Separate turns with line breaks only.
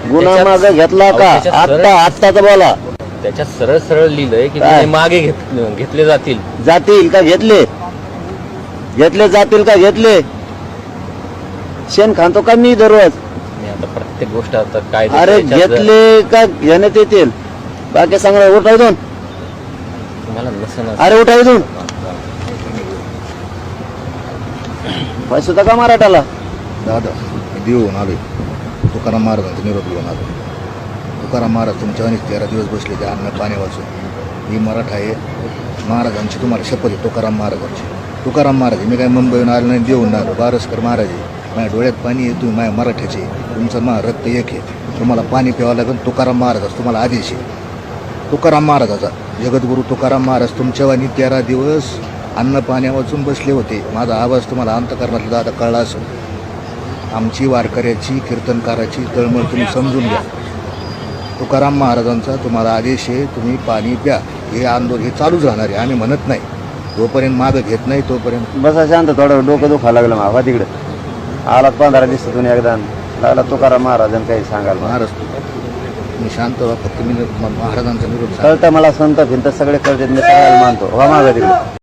गुन्हा मागे घेतला का? आत्ताच बोला.
त्याच्यात सरळ सरळ लिहिलंय की गुन्हे मागे घेतले जातील.
जातील का घेतले? घेतले जातील का घेतले? शेण खातो का मी दररोज?
मी आता प्रत्येक गोष्ट आता काय
अरे घेतले का घेण्यात येतील? बाकी सांगा उठाव दोन.
तुम्हाला नसेल.
अरे उठाव दोन. पैसे होता का मराठाला?
दादा देऊन आलोय तुकाराम महाराजांचा निरोप घेऊन आलो. तुकाराम महाराज तुमच्या अनेक 13 दिवस बसले ते अन्न पाणी वाचून. ही मराठा आहे. महाराजांची तुम्हाला शपथ आहे. तुकाराम महाराजांची. तुकाराम महाराज मी काय मुंबईहून आलो नाही देऊन आलो. बारसकर महाराज आहे. माझ्या डोळ्यात पाणी आहे. तुम्ही माझ्या मराठ्याचे. तुमचं रक्त एक आहे. तुम्हाला पाणी प्यावं लागेल. तुकाराम महाराजाचा तुम्हाला आदेश आहे. तुकाराम महाराजाचा जगद्गुरू तुकाराम महाराज तुमच्यावानी 13 दिवस अन्न पाण्या वाचून बसले होते. माझा आवाज तुम्हाला अंतकरणातला दादा कळला असेल. आमची वारकऱ्याची कीर्तनकाराची तळमळ तुम्ही समजून घ्या. तुकाराम महाराजांचा तुम्हाला आदेश आहे. तुम्ही पाणी प्या. हे आंदोलन हे चालूच राहणार आहे. आम्ही म्हणत नाही जोपर्यंत मागं घेत नाही तोपर्यंत.
बसा शांत. थोडं डोकं दुखायला लागलं मावा तिकडे. आला 15 दिवसातून एकदा लागला तुकाराम महाराजांनी काही सांगाल.
महाराज मी शांत व्हा. फक्त मी महाराजांचा निरोप
कळतं मला. संत भिंत सगळे कळतात. मी सगळ्याला मानतो. हो मागा तिकडे.